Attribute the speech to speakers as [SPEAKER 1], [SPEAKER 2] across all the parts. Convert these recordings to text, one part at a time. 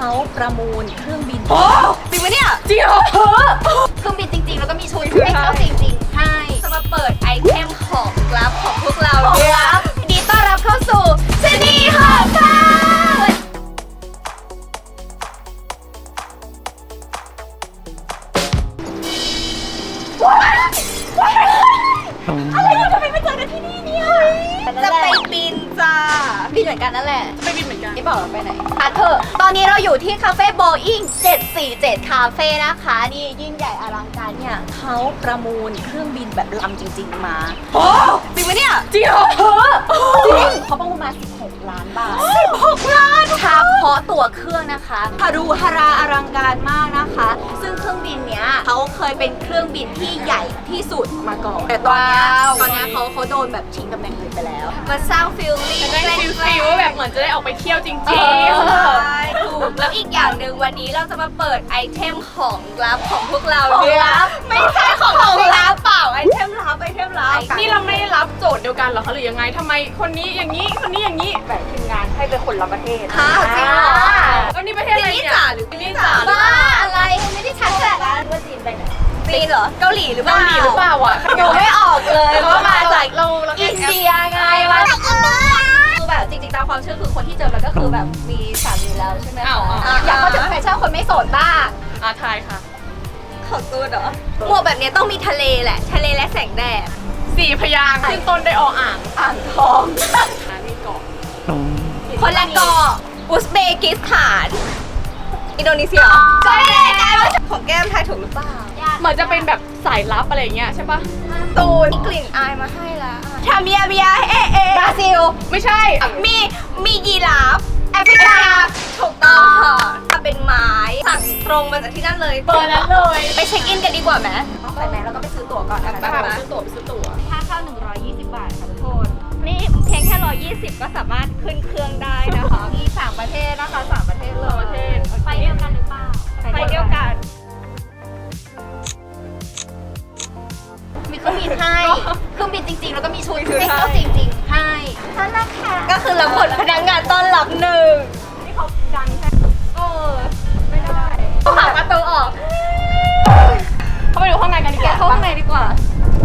[SPEAKER 1] เขาประมูลเครื่องบิน
[SPEAKER 2] โอ้จริงไหมเนี่ยจริงเหรอ
[SPEAKER 1] เครื่องบินจริงๆแล้วก็มีชุดให้เข้าจริงๆให้จะมาเปิดไอเทมของลับของพวกเราครับดีต้อนรับเข้าสู่ชนีหอบฟ้าอะไรเนี่ยทำไมมาเจอกันที่นี่เนี่ยจะไปบินจ้าบินเหมือนกันนั่นแหละ
[SPEAKER 2] ไปบินเหมือนกัน
[SPEAKER 1] ไม่บอกเราไปไหนค่ะเธอตอนนี้เราอยู่ที่คาเฟ่โบอิ้ง747คาเฟ่นะคะนี่ยิ่งใหญ่อลังการเนี่ยเขาประมูลเครื่องบินแบบลำจริงๆมา
[SPEAKER 2] โอ้จริงไหมเนี่ย
[SPEAKER 1] จริงเหรอจริงเขาประมูลมา16 ล้านบาท16 ล้านเฉพาะตั๋วเครื่องนะคะฮารุฮาราอลังการมากนะคะซึ่งเครื่องบินเนี้ยเขาเคยเป็นเครื่องบินที่ใหญ่ที่สุดมาก่อนแต่ตอนเนี้ยเขาโดนแบบชิงตำแหน่งอื่นไปแล้วมาสร้างฟิลลิ่ง
[SPEAKER 2] ได้ฟิลว่าแบบเหมือนจะได้ออกไปเที่ยวจริงๆ
[SPEAKER 1] ใช่ถูกแล้วอีกอย่างหนึ่งวันนี้เราจะมาเปิดไอเทมของลับของพวกเราด้วยไม่ใช่ของลับเปล่าไอเทมลับ
[SPEAKER 2] นี่เราไม่ได้รับโจทย์เดียวกันหรอคะหรือยังไงทำไมคนนี้อย่างนี้คนนี้อย่างนี้
[SPEAKER 1] แบ่งทีมงานให้เป็นคนละประเทศ
[SPEAKER 2] ค่ะจริงเหรอแล้วนี่ประเทศอะไรเนี่ย
[SPEAKER 1] หรือนี่จ๋าบ้าอะไรไม่ได้ชัดแต่ว่าจีนไปไหนจีนเหรอเกาหลีหรือเปล่า
[SPEAKER 2] อ่ะ
[SPEAKER 1] ดูไม่ออกเลย
[SPEAKER 2] เพราะมาจาก
[SPEAKER 1] เราอินเดียไงมาจากอินเดียคือแบบจริงๆตามความเชื่อคือคนที่เจอมันก็คือแบบมีสามีแล้วใช่ไหมคะอยากเข้าถึงแฟชั่นคนไม่โสดบ้าง
[SPEAKER 2] ทายค่ะ
[SPEAKER 1] ของตูนเหรอหมวกแบบนี้ต้องมีทะเลแหละทะเลและแสงแดด
[SPEAKER 2] 4 พยางค์ขึ้นต้นด้วยอ่าง
[SPEAKER 1] ทอง
[SPEAKER 2] นี่เกาะ
[SPEAKER 1] คนละเกาะอุซเบกิสถานอินโดนีเซียใช่เลยของแก้มทายถูกหรือเปล่า
[SPEAKER 2] เหมือนจะเป็นแบบสายลับอะไรเงี้ยใช่ปะ
[SPEAKER 1] ตูนมีกลิ่นอายมาให้แล้วทาเบียบราซิล
[SPEAKER 2] ไม่ใช่
[SPEAKER 1] มียีราฟแอฟริกาถูกต้องค่ะเป็นไม้สั่งตรงมาจากที่นั่นเลย
[SPEAKER 2] เปิดนั้นเลย
[SPEAKER 1] ไปเช็คอินกันดีกว่าไหมไปไหมแล้วก็ไปซื้อตั๋วก่อนนะคะ
[SPEAKER 2] ไปซื้อตั๋ว
[SPEAKER 1] ค่าเข้า120 บาทค่ะทุกคนนี่เพียงแค่120ก็สามารถขึ้นเครื่องได้นะคะมี3 ประเทศนะคะ3 ประเทศเลยไปเดียวกันหรือเปล่าไปเดียวกันมีเครื่องบินให้เครื่องบินจริงๆแล้วก็มีชุดให้เข้าจริงๆให้นั่นแหละค่ะก็คือเราคนพนักงานต้อนรับ1
[SPEAKER 2] นี่เขาดังใช่ไม่ได้
[SPEAKER 1] ต้องหาประตูออก
[SPEAKER 2] เข้าไปดูข้างในกันดีกว่า
[SPEAKER 1] เข้าข้างในดีกว่า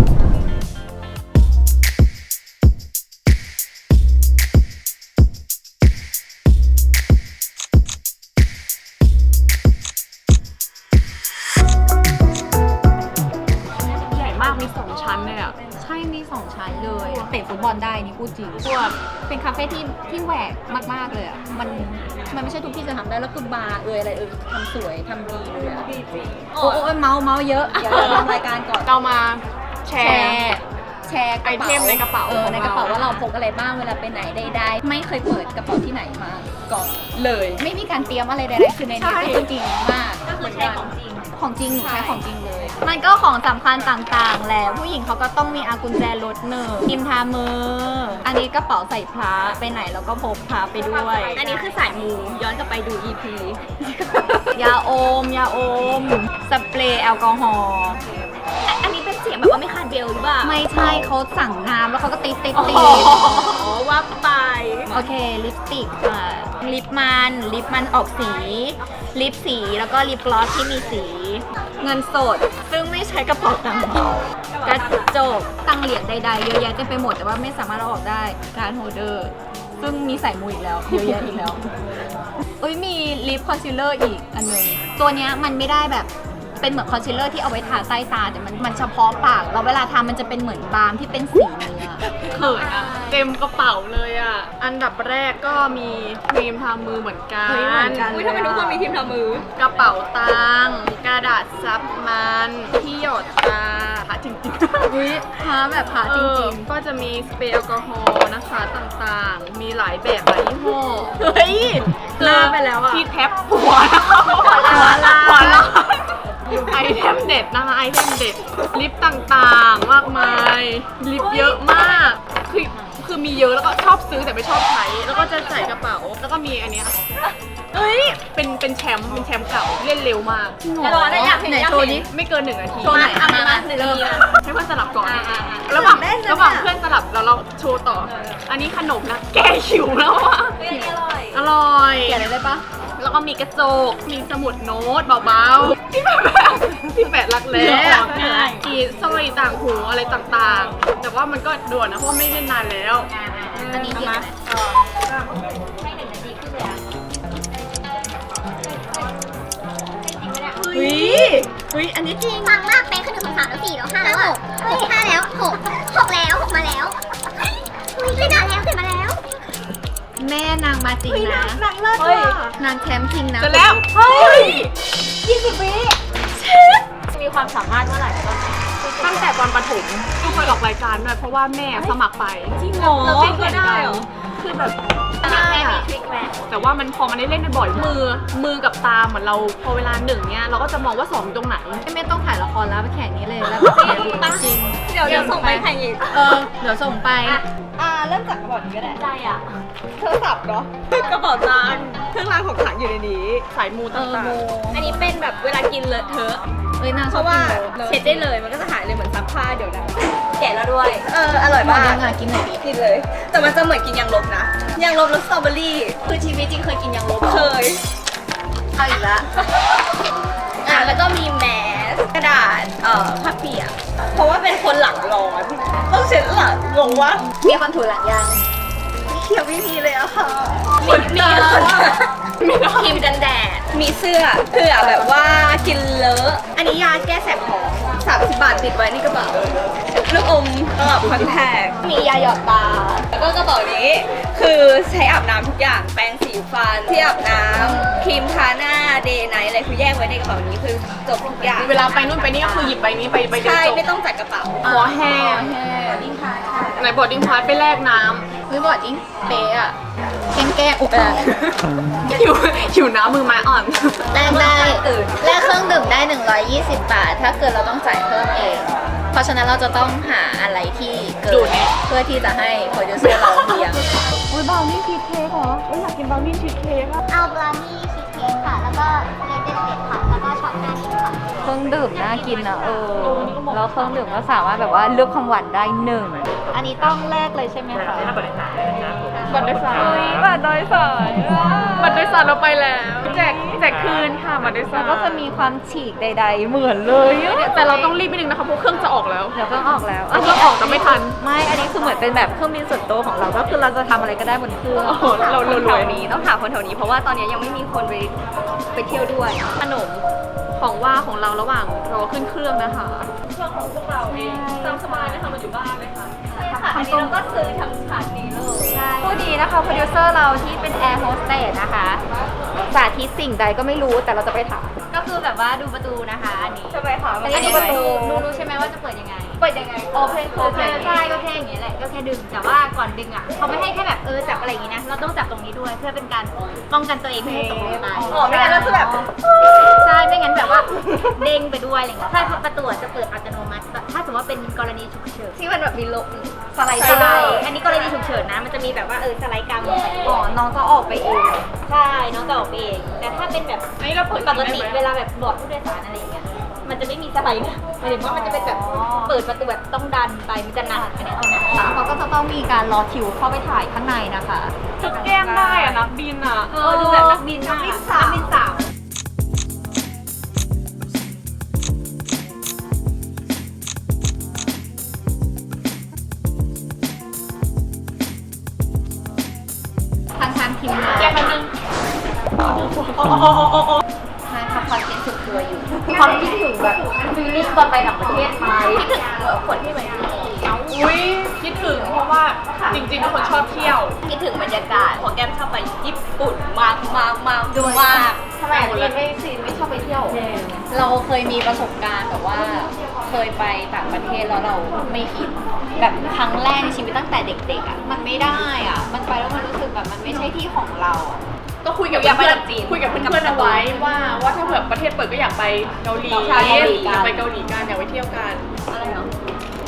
[SPEAKER 2] มี2 ชั้นเลยอ่ะ
[SPEAKER 1] ใช่มี2 ชั้นเลยเตะฟุตบอลได้นี่พูดจริงเป็นคาเฟ่ที่แหวกมากๆเลยอ่ะมันไม่ใช่ทุกที่จะทำได้แล้วคือบาร์อะไรทำสวยทำดีเลยอ่ะ
[SPEAKER 2] ดีจริง
[SPEAKER 1] โอ้เมาเยอะเดี๋ยวเราทำรายการก่อน
[SPEAKER 2] เรามาแชร์
[SPEAKER 1] ไอ
[SPEAKER 2] เทมในกระเป๋า
[SPEAKER 1] ในกระเป๋าว่าเราพกอะไรบ้างเวลาไปไหนได้ไม่เคยเปิดกระเป๋าที่ไหนมาก่อน
[SPEAKER 2] เลย
[SPEAKER 1] ไม่มีการเตรียมอะไรใดๆคือในนี้เป็นจริงมากก็คือใช้ของจริงหนูใช้ของจริงเลยมันก็ของสำคัญต่างๆแหละผู้หญิงเขาก็ต้องมีกุญแจรถครีมทามืออันนี้กระเป๋าใส่พระไปไหนแล้วก็พกพระไปด้วยอันนี้คือสายมูย้อนกลับไปดู EP ยาอมสเปรย์แอลกอฮอล์อันนี้เป็นเสียงแบบว่าไม่คาดเบลหรือเปล่าไม่ใช่เขาสั่งน้ำแล้วเขาก็ติด
[SPEAKER 2] ว่าไป
[SPEAKER 1] โอเคลิปสติกลิปมันออกสีลิปสีแล้วก็ลิปกลอสที่มีสีเงินสดซึ่งไม่ใช้กระเป๋าตังค์กระจกตังเหรียญใดๆเยอะแยะเต็มไปหมดแต่ว่าไม่สามารถเอาออกได้การโฮลเดอร์ซึ่งมีใส่มูอีกแล้วเยอะแยะอีกแล้วมีลิปคอนซีลเลอร์อีกอันนึงตัวเนี้ยมันไม่ได้แบบเป็นเหมือนคอนซีลเลอร์ที่เอาไว้ทาใต้ตาแต่มันเฉพาะปากแล้วเวลาทามันจะเป็นเหมือนบาล์มที่เป็นสีเนื้อ
[SPEAKER 2] เขินอ่ะเต็มกระเป๋าเลยอ่ะอันดับแรกก็มีครีมทามือเหมือนกัน
[SPEAKER 1] ทำไมทุกคนมีครีมทามือก
[SPEAKER 2] ระเป๋าตังค์กระดาษซับมันที่หยดตาหาจริง
[SPEAKER 1] ๆหาแบบหาจริง
[SPEAKER 2] ๆก็จะมีสเปรย์แอลกอฮอล์นะคะต่างๆมีหลายแบบหลายยี่ห้อ
[SPEAKER 1] ลาไปแล้วอ่ะ
[SPEAKER 2] ที่แท็บหัวไอเทมเด็ดนะคะไอเทมเด็ดลิปต่างๆมากมายลิปเยอะมากคือมีเยอะแล้วก็ชอบซื้อแต่ไม่ชอบใช้แล้วก็จะใส่กระเป๋าแล้วก็มีอันเนี้ยเป็นแชมป์เก่าเล่นเร็วมาก
[SPEAKER 1] อยากเห็นโชว์นี้
[SPEAKER 2] ไม่เกิน1 นาที
[SPEAKER 1] โชว์ไหนมา
[SPEAKER 2] เริ่มให้เพื่อนสลับก่อนระหว่างเพื่อนสลับเราโชว์ต่ออันนี้ขนมนะแก้หิวแล้วอ่ะ
[SPEAKER 1] อร่อย
[SPEAKER 2] แกะ
[SPEAKER 1] อะไรได้ปะ
[SPEAKER 2] แล้วก็มีกระจกมีสมุดโน้ตเบาๆที่แบบที่แปะรักแร้มีสร้อยต่างหูอะไรต่างๆ แต่ว่ามันก็ด่วนนะเพราะไม่ได้นานแล้ว
[SPEAKER 1] อันนี้เยอะไหมให้1 นาทีขึ้นเลยอะ
[SPEAKER 2] เฮ้ยอันนี้จริง
[SPEAKER 3] ฟังมากเป๊ะขึ้น1 2 3แล้ว4แล้ว5แล้วอ่ะ5แล้ว6แล้ว6มาแล้วขึ้นมาแล้ว
[SPEAKER 1] แม่นางมาจริงนะ
[SPEAKER 2] หนังเลิศว่ะ
[SPEAKER 1] นางแคมป์จริงนะ
[SPEAKER 2] จะแล้วเฮ้ย20 วิ
[SPEAKER 1] มีความสามารถเมื่อไหร่ก็
[SPEAKER 2] ตั้งแต่ตอนประถมก็เคยออกรายการด้วยเพราะว่าแม่สมัครไป
[SPEAKER 1] จริงเหรอ
[SPEAKER 2] แล้วก็ได้เหรอคือแบบ
[SPEAKER 1] แม่มีทริคไหม
[SPEAKER 2] แต่ว่ามันพอมันได้เล่นบ่อยมือกับตาเหมือนเราพอเวลา1เนี้ยเราก็จะมองว่า2อยู่ตรงไหน
[SPEAKER 1] ไม่ต้องถ่ายละครแล้วไปแข่งนี้เลยแล้วก็จริง
[SPEAKER 3] เดี๋ยวส่งไปแข่งอีก
[SPEAKER 1] เดี๋ยวส่งไป
[SPEAKER 3] เริ่มจากกระบอกนี้ก็ได้
[SPEAKER 1] ใจอ่ะ
[SPEAKER 3] โทรศัพท์เนาะกระเป๋าตังค์เครื่องรางของขลังอยู่ในนี้
[SPEAKER 2] สายมูต่าง
[SPEAKER 3] อันนี้เป็นแบบเวลากินเลอะเทอะ
[SPEAKER 1] เอ้ยนาง
[SPEAKER 3] เพ
[SPEAKER 1] ชอบ
[SPEAKER 3] ราะว่า
[SPEAKER 1] กินโล
[SPEAKER 3] เช็ดได้เลยมันก็จะหายเลยเหมือนซักผ้าเดี๋ยวนะแกะแล้วด้วย อร่อย
[SPEAKER 1] หมด
[SPEAKER 3] มาก
[SPEAKER 1] ยังไงกินหน่อยดิ
[SPEAKER 3] กินเลย แต่มันจะเหมือนกินยางลบนะยางลบรสสตรอเบอรี่คือชีวิตจริงเคยกินยางลบเคยเอาอีกละแล้วก็มีแมสกระดาษผ้าเปียกเพราะว่าเป็นคนหลังร้อนต้องเช็ดหลังงงวะ
[SPEAKER 1] มีคนถูหลังยัง
[SPEAKER 3] เขียวไม่มีเลยอะค่ะมีครีมกันแดด มีเสื้อเผื่อแบบว่ากินเลอะ อันนี้ยาแก้แสบท้อง30 บาทติดไว้ในกระเป๋า ลูกอมตลับคอนแทคมียาหยอดตา แล้วก็กระเป๋านี้ คือใช้อาบน้ำทุกอย่าง แปรงสีฟันที่อาบน้ำครีมทาหน้า เดย์ไนท์อะไรคือแยกไว้ในกระเป๋านี้คือจบทุกอย่าง
[SPEAKER 2] ๆเวลาไปนู่นไปนี่ก็คือหยิบใบนี้ไปเดียว
[SPEAKER 3] ใช่
[SPEAKER 2] จบ
[SPEAKER 3] ไม่ต้องจัดกระเป๋า
[SPEAKER 2] คอแห้งไหนบอดดิ้งพาร์ทไปแลกน้
[SPEAKER 1] เฮ้ยบอดจริงเป๊ะอ่ะแกล้งอุกอะ
[SPEAKER 2] ำหิวน้ำมือไม้อ่อน
[SPEAKER 1] แลกได้แลกเครื่องดื่มได้120 บาท ถ้าเกิดเราต้องจ่ายเพิ่มเอง เพราะฉะนั้นเราจะต้องหาอะไรที่เกิ
[SPEAKER 2] ดู
[SPEAKER 1] น
[SPEAKER 2] ดเนี่ย
[SPEAKER 1] เพื่อที่จะให้โปรดิวเซอร์เราเลี้ยง
[SPEAKER 2] อุ้ยบราวนี่ชีสเค้กเหรออยากกินบราวนี่ชีสเค้กอะ
[SPEAKER 3] เอาบราวนี่ชีสเค้กค่ะ แล้วก็เลดเดนเด็ดค่ะ แล้วก็ช็อตหน้านี้ค่ะ
[SPEAKER 1] เครื่องดื่มน่ากินนะแล้วเครื่องดื่มก็สามารถแบบว่าเลือกความหวานได้1อันนี้ต้องแลกเลยใช่ไหมคะ
[SPEAKER 2] บัตรโดยสารบัตรโดยสาร
[SPEAKER 1] บัตรโดยสาร
[SPEAKER 2] บัตรโดยสารเราไปแล้วแจกคืนค่ะบัตรโดยสาร
[SPEAKER 1] ก็จะมีความฉีกใดๆ เหมือนเลยอะ
[SPEAKER 2] แต่เราต้องรีบไปนึงนะคะเพราะเครื่องจะออกแล้ว
[SPEAKER 1] เดี๋ยวเครื่องออกแล้ว
[SPEAKER 2] เครื่องออกแต่ไม่ทัน
[SPEAKER 1] ไม่ อันนี้คือเหมือนเป็นแบบเครื่องบินส่วนตัวของเรา ก็คือเราจะทำอะไรก็ได้บนเครื่อง
[SPEAKER 2] โอ้โหเราร
[SPEAKER 3] แถ
[SPEAKER 2] วยว
[SPEAKER 3] นี้ต้องหาคนแถวนี้เพราะว่าตอนนี้ยังไม่มีคนไปเที่ยวด้วย
[SPEAKER 2] ขนมของว่าของเราระหว่างรอขึ้นเครื่องนะคะเครื่องของพวกเราเองตามสบายนะคะมาอยู่บ้านเลยค่ะ
[SPEAKER 3] อันนี้เราก็ซื้อทำฉากนี้เลย
[SPEAKER 1] ผู้ดีนะคะโปรดิวเซอร์เราที่เป็นแอร์โฮสเตสนะคะ สาธิตสิ่งใดก็ไม่รู้แต่เราจะไปถาม ก็คือแบบว่าดูประตูนะคะอันนี้
[SPEAKER 3] ใช่ไหมคะ
[SPEAKER 1] อันนี้ดูประตูรู้ใช่ไหมว่าจะเปิดยังไง
[SPEAKER 3] เปิดยังไง
[SPEAKER 1] โอเพนใช่ก็แค่อย่างนี้แหละก็แค่ดึงแต่ว่าก่อนดึงอ่ะเขาไม่ให้แค่แบบจับอะไรอย่างนี้นะเราต้องจับตรงนี้ด้วยเพื่อเป็นการป้องกันตัวเองไม่ให้ตกลงไป
[SPEAKER 3] อ๋อไม่งั้นก็จะแบบ
[SPEAKER 1] ใช่ไม่งั้นแบบว่าเด้งไปด้วยอะไรเงี้ยใช่เพราะประตูจะเปิดอัตโนมัติถ้าสมมติว่าเป็นกรณีฉุกเฉิน
[SPEAKER 3] ที่มันแบบมีลมสไลด์
[SPEAKER 1] ใช่
[SPEAKER 3] ได้
[SPEAKER 1] อันนี้กรณีฉุกเฉินนะมันจะมีแบบว่าสไลด์กลางลงไป
[SPEAKER 3] อ๋อน้องก็ออกไปเอง
[SPEAKER 1] ใช่น้องจะออกไปเองแต่ถ้าเป็นแบบ
[SPEAKER 2] อันนี้เราเปิด
[SPEAKER 1] ปกติเวลาแบบบอร์ดผู้โดยสารอะไรอย่างเงี้ยมันจะไม่มีสไลด์นะหมายถึงว่ามันจะเป็นแบบเปิดประตูแบบต้องดันไปมันจะหนักอันนี้เอาหนักเขาก็จะต้องมีการรอคิวเข้าไปถ่ายข้างในนะคะ
[SPEAKER 2] ชุดแก้มได้อะนักบินอะ
[SPEAKER 1] ดูแบบนักบินมาก
[SPEAKER 3] นักบินสาว
[SPEAKER 1] ทางทีมงาน
[SPEAKER 2] แก้มนึง
[SPEAKER 1] ใช่ทำคอนเทนต์สุดตัวอยู่ความคิดถึงแบบฟีลลิ่งตอนไปต่างประเทศไหมคิดถึงคนที่เหมือนที่
[SPEAKER 2] อุ้ยคิดถึงเพราะว่าจริงๆเป็นคนชอบเที่ยว
[SPEAKER 3] คิดถึงบรรยากาศของแก้มชอบไปญี่ปุ่นมากดูมาก
[SPEAKER 1] ทำไมไม่ชอบไปเที่ยว เราเคยมีประสบการณ์แบบว่าเคยไปต่างประเทศแล้วเราไม่อินแบบครั้งแรกในชีวิตตั้งแต่เด็กๆอ่ะมันไม่ได้อ่ะมันไปแล้วมันรู้สึกแบบมันไม่ใช่ที่ของเราอะ
[SPEAKER 2] ก็คุยกับ
[SPEAKER 3] อยากไป
[SPEAKER 2] เพื่อน
[SPEAKER 3] แบบจีน
[SPEAKER 2] คุยกับเพื่อนๆเอาไว้ว่าถ้าเผื่อประเทศเปิดก็อยากไปเกาหลี
[SPEAKER 1] ใช่เกาหลีกัน
[SPEAKER 2] อยากไปเกาหลีกันอยากไปเที่ยวกัน
[SPEAKER 3] อะไรเนาะ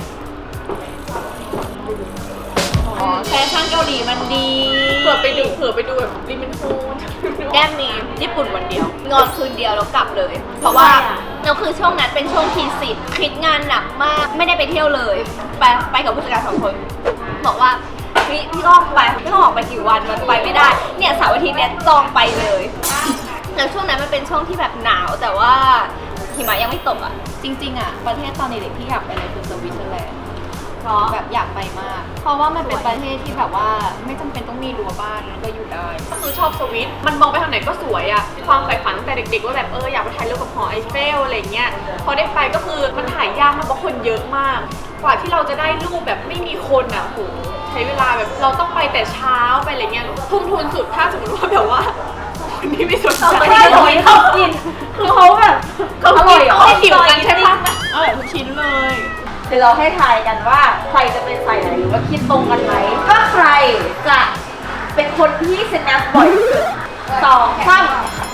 [SPEAKER 1] แฟชั่นเกาหลีมันดี
[SPEAKER 2] เผื่อไปดูแบบริมินโฮน
[SPEAKER 3] แก้มมีญี่ปุ่นวันเดียว นอนคืนเดียวแล้วกลับเลย เพราะว่าเราคือช่วงนั้นเป็นช่วงทีสิทธิ์คิดงานหนักมากไม่ได้ไปเที่ยวเลย ไปกับผู้จัดการ2 คนบอกว่าพี่ต้องไปพี่ต้องออกไปกี่วันมันไปไม่ได้เนี่ยเสาร์อาทิตย์เนี่ยจองไปเลยแล้วช่วงนั้นมันเป็นช่วงที่แบบหนาวแต่ว่าหิมะยังไม่ตกอ่ะ
[SPEAKER 1] จริงๆอ่ะประเทศตอนเด็กๆที่อยากไปเลยคือสวิตเซอร์แลนด์
[SPEAKER 3] เพราะ
[SPEAKER 1] แบบอยากไปมาก เพราะว่ามันเป็นประเทศที่แบบว่าไม่จำเป็นต้องมีรั้วบ้านแล้วก็อยู่ได้
[SPEAKER 2] ก็คือชอบสวิตมันมองไปทางไหนก็สวยอะความใฝ่ฝันตั้งแต่เด็กๆว่าแบบอยากไปถ่ายรูปกับหอไอเฟลอะไรเงี้ยพอได้ไปก็คือมันถ่ายยากมากเพราะคนเยอะมาก กว่าที่เราจะได้รูปแบบไม่มีคนอะโหใช้เวลาแบบเราต้องไปแต่เช้าไปอะไรเงี้ยทุ่มทุนสุดถ้าสมมติว่าแบบว่าคนที่ไม่สนใจ
[SPEAKER 3] ไม่ได้หอยเขากินคือเขาแบบ
[SPEAKER 2] เขาอร่อยเหรอหิวกันใช่ปะ
[SPEAKER 1] อร่อยทุกชิ้นเลย
[SPEAKER 3] เดี๋ยวเราให้ทายกันว่าใครจะเป็นสายไหนหรือว่าคิดตรงกันไหมถ้าใครจะเป็นคนที่สแนปบ่อยที่สุด2 3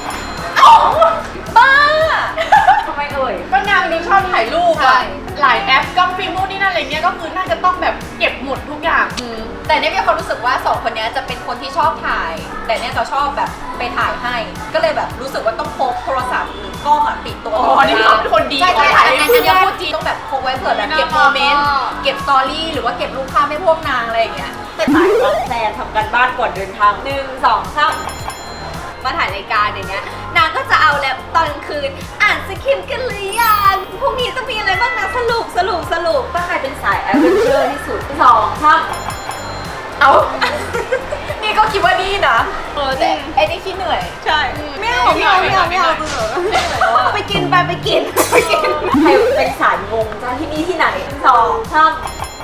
[SPEAKER 3] บ้าทำไมเอ่ย
[SPEAKER 2] ก็นางดูชอบถ่ายรูป
[SPEAKER 1] ใช่
[SPEAKER 2] อะหลายแอปกล้องฟิล์มนู่นนี่นั่นอะไรเงี้ยก็คือน่าจะต้องแบบเก็บหมดทุกอย่าง
[SPEAKER 1] แต่เนี่ยมีความรู้สึกว่า2คนนี้จะเป็นคนที่ชอบถ่าย แต่เนี่ยจะชอบแบบไปถ่ายให้ ก็เลยแบบรู้สึกว่าต้องพกโทรศัพท์หรือกล้องอะติดตัว
[SPEAKER 2] อ๋อนี่เขาเป็นคนดี
[SPEAKER 1] ใช่ใช่
[SPEAKER 2] เขาถ่ายให้
[SPEAKER 1] อัน
[SPEAKER 2] เพื่
[SPEAKER 1] นี้
[SPEAKER 2] อน
[SPEAKER 1] พูดจริงต้องแบบพกไว้เผื่อแบบเก็บโมเมนต์เก็บสตอรี่หรือว่าเก็บรูปภาพให้พวกนางอะไรอย่างเงี้ย
[SPEAKER 3] แต่สายวางแพลนทำการบ้านก่อนเดินทาง1 2 3มาถ่ายรายการอย่างเงี้ยนางก็จะเอาแล้วตอนกลางคืนอ่านสคริปต์กันหรือยังพรุ่งนี้จะมีอะไรบ้างนะสรุปว่าใครเป็นสายแอดเวนเจอร์ที่สุด2 3
[SPEAKER 1] เอา นี่ก็คิดว่านี่นะแต่ไอ้นี่ขี้เหนื่อย
[SPEAKER 3] ใช่ไม่เอาเบื่อไปกินใครเป็นสายงงจ้าที่นี่ที่ไหน2 3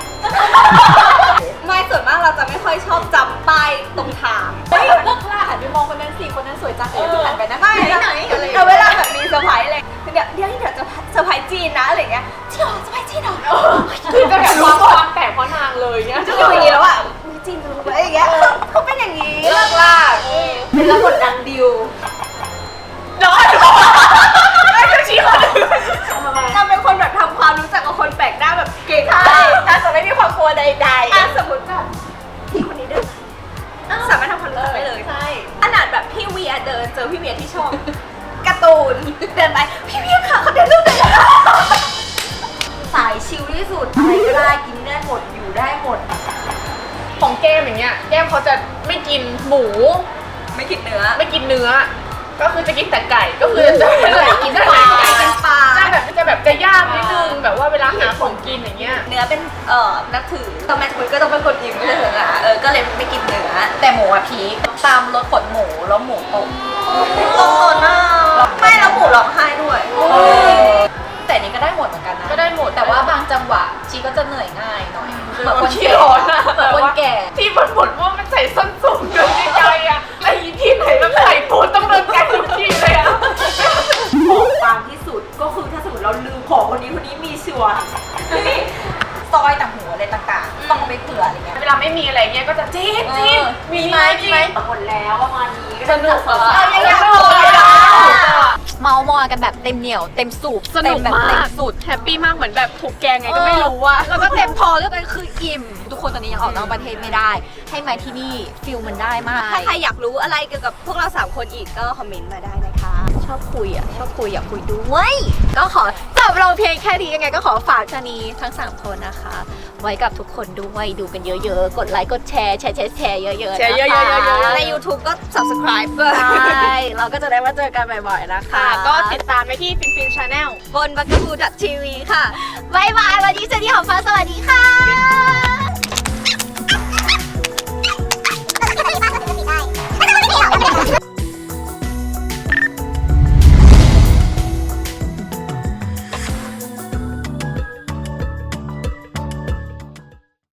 [SPEAKER 3] ไม่ส่วนมากเราจะไม่ค่อยชอบจำป้ายตรงทาง
[SPEAKER 1] เฮ้ยเลิกล่าหันไปมองคนนั้นสิคนนั้นสวยจังเลยหันไปนะ
[SPEAKER 3] ไม่
[SPEAKER 1] ไหนอะไร
[SPEAKER 3] เอาเวลาแบบมีเซอร์ไพรส์อะไรเดี๋ยวจะเซอร์ไพรส์จีนนะอะไรเงี้ยจริงเหรอเซอร์ไพรส์จีนเหรอ
[SPEAKER 2] คือจะแบบความแปลกเพราะนางเลยเงี้ย
[SPEAKER 3] จะอยู่อย่างนี้แล้วอ่ะมีจีนจะรู้ไหมอย่างเงี้ยเขาเป็นอย่างนี้
[SPEAKER 2] เลิกลาก
[SPEAKER 3] เป็นแล้วกดดันดิว
[SPEAKER 2] ร้อนไม่คือชี้คนอื่น
[SPEAKER 3] นางเป็นคนแบบทำความรู้จักกับคนแปลกหน้าแบบเก่ง
[SPEAKER 1] ใช่ถ้าจะไม่มีความกลัวใด
[SPEAKER 3] สมมติแบบพี่คนนี้เดินสามารถทำความรู้จักได้เลย
[SPEAKER 1] ๆใช่
[SPEAKER 3] ขนาดแบบพี่เวียเดินเจอพี่เวียที่ช่องการ์ตูนเดินไปพี่เวียค่ะเขาเดินรูปเลยสายชิลที่สุดอะไรก็ได้กินได้หมดอยู่ได้หมด
[SPEAKER 2] ของแก้มอย่างเงี้ยแก้มเขาจะไม่กินหมู
[SPEAKER 3] ไม่กินเนื้อ
[SPEAKER 2] ไม่กินเนื้อ ก็คือจะกินแต่ไก่ก็คือจะไม่เลยกินแต่ไก่
[SPEAKER 3] เป็นปลา
[SPEAKER 2] จะแบบจะยากนิดนึงแบบว่าเวลาหาของกินอย่างเงี้ย
[SPEAKER 3] เนื้อเป็นนับถือตอนแม่คุยก็ต้องเป็นคนกินไม่ใช่เหรอก็เลยไม่กินเนื้อ
[SPEAKER 1] แต่หมูอะพีคตามรสขนหมูแล้วหมูตก
[SPEAKER 3] โอ้น่าไม่แล้วหมูร้องไห้ด้วย
[SPEAKER 1] แต่นี่ก็ได้หมดเหมือนกันนะ
[SPEAKER 2] ก็ได้หมด
[SPEAKER 1] แต่ว่าบางจังหวะชีก็จะเหนื่อยง่ายหน่อยเหมือนคน
[SPEAKER 2] ขี้
[SPEAKER 1] แก่
[SPEAKER 2] ร้อนอะ
[SPEAKER 1] เหมือนคนแก่
[SPEAKER 2] ที่บ่นว่ามันใส่ส้นสูงเกินใจอะไอ้ที่ไหนแล้วใส่ปูต้องเดินไกลทุกที่เลยอะ
[SPEAKER 3] ของบางที่สุดก็คือถ้าสมมติเราลืมของคนนี้มีชัวร์
[SPEAKER 1] ซอยต่างหูอะไรต่างๆต้องเอาไปเผื่ออะไรเงี้ย
[SPEAKER 2] เวลาไม่มีอะไรเงี้ยก็จะจี๊ดจี๊ด
[SPEAKER 1] มีไหม
[SPEAKER 3] หมดแล้วประมาณนี้
[SPEAKER 2] สนุก
[SPEAKER 3] อะ
[SPEAKER 2] อะ
[SPEAKER 3] ยังอยาก
[SPEAKER 2] ส
[SPEAKER 3] โด
[SPEAKER 2] นุก
[SPEAKER 3] น
[SPEAKER 2] อะ
[SPEAKER 1] เมามอยกันแบบเต็มเหนียวเต็มสูบ
[SPEAKER 2] สนุก
[SPEAKER 1] เต็แบบ
[SPEAKER 2] มา
[SPEAKER 1] เต็
[SPEAKER 2] ก
[SPEAKER 1] มสุด
[SPEAKER 2] แฮปปี้มากเหมือนแบบถูกแกงไงก็ไม่รู้ว่า
[SPEAKER 1] แล้วก็เต็มพอแล้วกันคืออิ่ม ทุกคนตอนนี้ยังออกนอกประเทศไม่ได้ ให้มาที่นี่ฟิลมันได้มาก
[SPEAKER 3] ถ้าใครอยากรู้อะไรเกี่ยวกับพวกเรา3คนอีกก็คอมเมนต์มาได้นะคะ
[SPEAKER 1] ชอบคุยอยากคุยด้วยก็ขอจบเราเพียงแค่นี้ยังไงก็ขอฝากชานีทั้ง3คนนะคะ ไว้กับทุกคนด้วยดูกันเยอะๆกดไลค์กดแชร์เยอะๆ
[SPEAKER 2] แชร์เยอะๆ
[SPEAKER 1] นะคะ
[SPEAKER 3] ใน YouTube ก็ subscribe ด้วย
[SPEAKER 1] ใช่เราก็จะได้มาเจอกันบ่อยๆนะคะ
[SPEAKER 2] ค่ะ ก็ติดตามไปที่ฟินฟินชาแนล
[SPEAKER 3] บน b u g a b o o TV ค่ะ
[SPEAKER 1] บ๊ายบายวันนี้เจนนี่ของฟ้าสวัสดีค่ะ